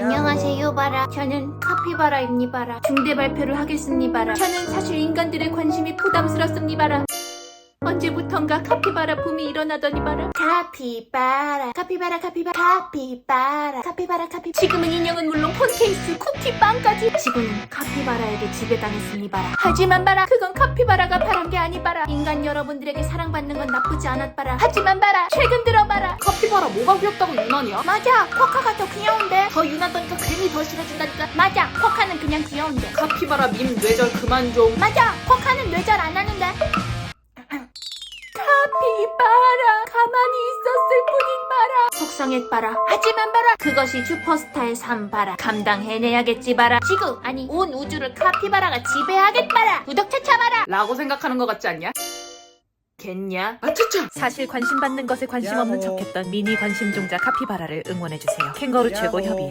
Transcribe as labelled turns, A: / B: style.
A: 안녕하세요 바라. 저는 카피바라입니바라. 중대 발표를 하겠습니바라. 저는 사실 인간들의 관심이 부담스럽습니바라. 언제부턴가 카피바라 붐이 일어나더니바라. 카피바라 카피바라 카피바라 카피바라 카피바라 카피. 지금은 인형은 물론 폰케이스, 쿠키, 빵까지 지구는 카피바라에게 지배당했습니바라. 하지만 바라, 그건 카피바라가 바란 게 아니바라. 인간 여러분들에게 사랑받는 건 나쁘지 않았바라. 하지만 바라, 최근 들어 바라.
B: 카피바라 뭐가 귀엽다고 유난이야?
A: 맞아, 코카가 더 귀여운데. 더 유나더니까 괜히 더 싫어진다니까. 맞아, 코카는 그냥 귀여운데.
B: 카피바라 밈 뇌절 그만 좀.
A: 맞아, 코카는 뇌절 안 하는데. 카피바라 가만히 있었을 뿐인 바라. 속상했바라. 하지만 바라, 그것이 슈퍼스타의 삶 바라. 감당해내야겠지 바라. 지구, 아니 온 우주를 카피바라가 지배하겠바라. 구독 찾아봐라.
B: 라고 생각하는 것 같지 않냐? 겠냐? 아차차!
C: 사실 관심 받는 것에 관심 없는 척했던 미니 관심종자 카피바라를 응원해주세요. 캥거루 최고 협의회.